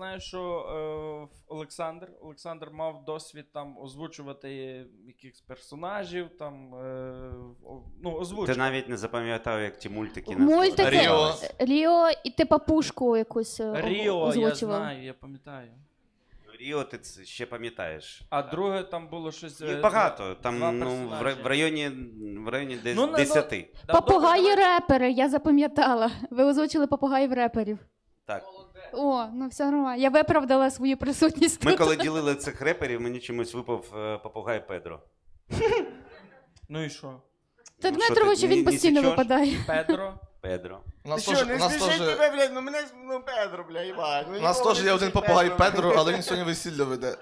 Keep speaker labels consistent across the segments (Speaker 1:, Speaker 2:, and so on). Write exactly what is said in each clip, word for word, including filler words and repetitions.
Speaker 1: знаю, що е, Олександр, Олександр мав досвід там озвучувати якихось персонажів, там, е, ну, озвучувати.
Speaker 2: Ти навіть не запам'ятав, як ті мультики
Speaker 3: Мультики,
Speaker 4: Ріо.
Speaker 3: Ріо, і ти папушку якусь е,
Speaker 1: Ріо,
Speaker 3: озвучував.
Speaker 1: я знаю, я пам'ятаю.
Speaker 2: Ріо ти це ще пам'ятаєш.
Speaker 1: А друге там було щось...
Speaker 2: Їх
Speaker 1: е,
Speaker 2: багато, там
Speaker 1: два
Speaker 2: ну, в,
Speaker 1: персонажі.
Speaker 2: ра- в районі, в районі десь
Speaker 1: Ну, ну,
Speaker 2: десяти.
Speaker 1: Да,
Speaker 3: Попугаї-репери, я запам'ятала. Ви озвучили попугаїв-реперів.
Speaker 2: Так.
Speaker 3: О, ну все нормально. Я виправдала свою присутність
Speaker 2: Ми
Speaker 3: тут.
Speaker 2: коли ділили цих реперів, мені чомусь випав е, попугай Педро.
Speaker 1: Ну і що?
Speaker 3: Та
Speaker 2: Ну,
Speaker 3: Дмитровичу
Speaker 2: що ти,
Speaker 3: він
Speaker 2: не- не
Speaker 3: постійно
Speaker 2: січеш?
Speaker 3: випадає.
Speaker 1: Педро?
Speaker 2: Педро.
Speaker 4: У нас
Speaker 5: Що,
Speaker 4: теж,
Speaker 5: не
Speaker 4: у нас
Speaker 5: сміши
Speaker 4: теж,
Speaker 5: тебе, блядь, ну мене, ну Педро, блядь, Іван. Ну,
Speaker 4: у нас
Speaker 5: ніколи
Speaker 4: теж
Speaker 5: не
Speaker 4: є один
Speaker 5: сміши
Speaker 4: попугай Педро, але він сьогодні весілля веде.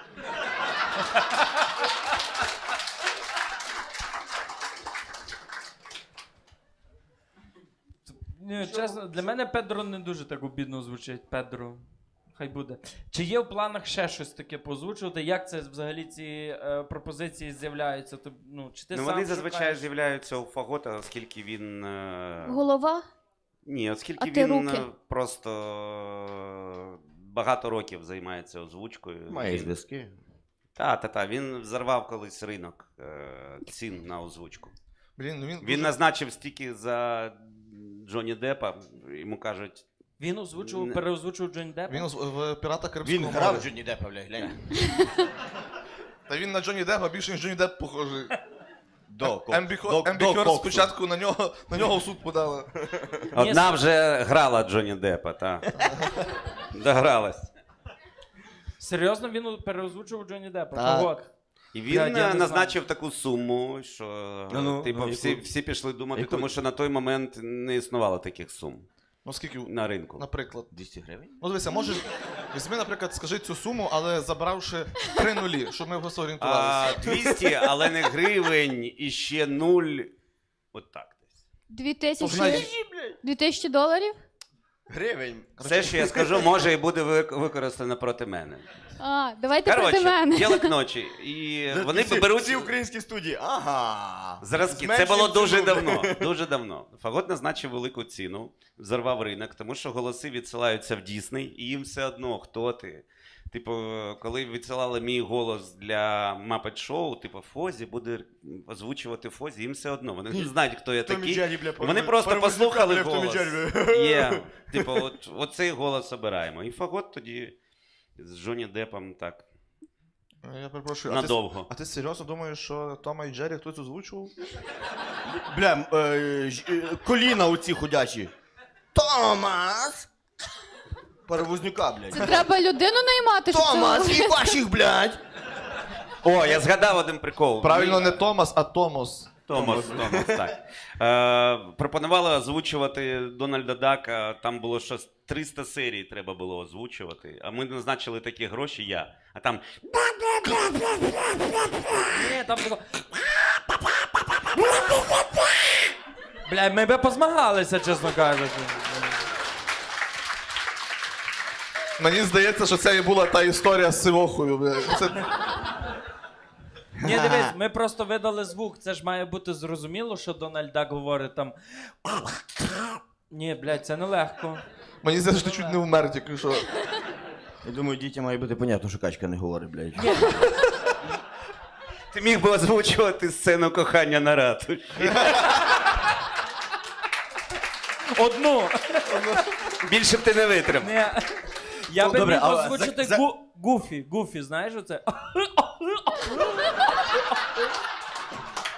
Speaker 1: Ні, чесно, для мене Педро не дуже так обідно звучить. Педро. Хай буде. Чи є в планах ще щось таке позвучувати? Як це взагалі ці е, пропозиції з'являються? Ти, ну, чи ти
Speaker 2: Ну,
Speaker 1: сам
Speaker 2: вони зазвичай
Speaker 1: шукаєш?
Speaker 2: з'являються у Фагота, оскільки він... е,
Speaker 3: Голова?
Speaker 2: Ні,
Speaker 3: А
Speaker 2: оскільки
Speaker 3: ти
Speaker 2: він
Speaker 3: руки?
Speaker 2: е, просто е, багато років займається озвучкою.
Speaker 5: Має
Speaker 2: Він-
Speaker 5: зв'язки.
Speaker 2: Та, та, та. Він взорвав колись ринок е, цін на озвучку.
Speaker 4: Блін, ну він,
Speaker 2: Він
Speaker 4: дуже-
Speaker 2: назначив стільки за Джонні Деппа, йому кажуть,
Speaker 1: Він озвучував,
Speaker 2: Не-
Speaker 1: переозвучував Джонні Деппа?
Speaker 4: він озв- в Пірата Карибського
Speaker 5: Він
Speaker 4: моря.
Speaker 5: грав Джонні Деппа, блядь, глянь.
Speaker 4: Та він на Джонні Деппа більше, ніж Джонні Депп похожий.
Speaker 5: До, ко-
Speaker 4: Ембі
Speaker 5: до-
Speaker 4: Ембі
Speaker 5: до
Speaker 4: Хёрд
Speaker 5: коксу.
Speaker 4: спочатку на нього, на нього в суд подала.
Speaker 2: одна вже грала Джонні Деппа, та. Догралась.
Speaker 1: Серйозно, він переозвучував Джонні Деппа?
Speaker 5: Так.
Speaker 1: Фагот.
Speaker 2: І
Speaker 1: Блядь,
Speaker 2: він
Speaker 1: я
Speaker 2: е,
Speaker 1: не
Speaker 2: назначив таку суму, що
Speaker 5: Ну, ну,
Speaker 2: типу,
Speaker 5: ну,
Speaker 2: всі,
Speaker 5: яку?
Speaker 2: всі пішли думати,
Speaker 5: Яку?
Speaker 2: тому що на той момент не існувало таких сум
Speaker 4: Ну скільки,
Speaker 2: на ринку.
Speaker 4: наприклад.
Speaker 5: двісті гривень?
Speaker 4: Ну дивися, можеш, візьми, наприклад, скажи цю суму, але забравши три нулі, щоб ми просто
Speaker 2: А,
Speaker 4: орієнтувалися.
Speaker 2: двісті, але не гривень, і ще нуль. От так десь.
Speaker 3: Дві
Speaker 4: Знаєш-
Speaker 3: тисячі, дві тисячі доларів?
Speaker 5: Гривень.
Speaker 2: Все, що я скажу, може і буде вик- використано проти мене.
Speaker 3: А, давайте проти
Speaker 2: Коротше,
Speaker 3: мене.
Speaker 2: діло к ночі. І вони
Speaker 5: всі,
Speaker 2: беруть
Speaker 5: всі українські студії. Ага.
Speaker 2: зразки. Це
Speaker 5: Зменшуємо
Speaker 2: було дуже
Speaker 5: ціну.
Speaker 2: давно. Дуже давно. Фагот назначив велику ціну, взорвав ринок, тому що голоси відсилаються в Дісней, і їм все одно, хто ти. Типу, коли відсилали мій голос для Muppet Show, типу, Фозі буде озвучувати Фозі, їм все одно. Вони не знають, хто я
Speaker 5: Томі
Speaker 2: такий.
Speaker 5: Джері, бля,
Speaker 2: Вони
Speaker 5: перевоз-
Speaker 2: просто
Speaker 5: перевозника,
Speaker 2: послухали
Speaker 5: бля, в Томі
Speaker 2: голос.
Speaker 5: Джері.
Speaker 2: Є. Типу, от, оцей голос обираємо. І Фагот тоді з Джонні Деппом так
Speaker 4: Я перепрошую, а ти,
Speaker 2: надовго.
Speaker 4: а ти серйозно думаєш, що Тома і Джері хтось озвучував?
Speaker 5: Бля, е, ж- е, коліна оці ходячі. Томас! Перевознюка,
Speaker 3: Це
Speaker 5: блядь.
Speaker 3: треба людину наймати, щоб це...
Speaker 5: Томас, і ваших, блядь!
Speaker 2: О, я згадав один прикол.
Speaker 4: Правильно,
Speaker 2: Ми-
Speaker 4: не Томас, а Томос.
Speaker 2: Томас, Томас, так. Е, пропонували озвучувати Дональда Дака, там було щось триста серій треба було озвучувати, а ми назначили такі гроші, я. А там
Speaker 1: Ні, там було... Бля, ми би позмагалися, чесно кажучи.
Speaker 4: Мені здається, що це і була та історія з Сивохою. бля. Це...
Speaker 1: Ні, дивись, ми просто видали звук. Це ж має бути зрозуміло, що Дональд Дак говорить там. Ні, блядь, це нелегко.
Speaker 4: Мені здається, що ти чуть не вмер, тільки що.
Speaker 5: Я думаю, дітям має бути понятно, що качка не говорить, блядь.
Speaker 2: ти міг би озвучувати сцену кохання на ратуші.
Speaker 1: Одну.
Speaker 2: Більше б ти не витримав.
Speaker 1: Ні. Я
Speaker 5: Ну,
Speaker 1: би
Speaker 5: добре,
Speaker 1: міг
Speaker 5: а
Speaker 1: озвучити
Speaker 5: за- за-
Speaker 1: гу... Гуфі. Гуфі, знаєш оце?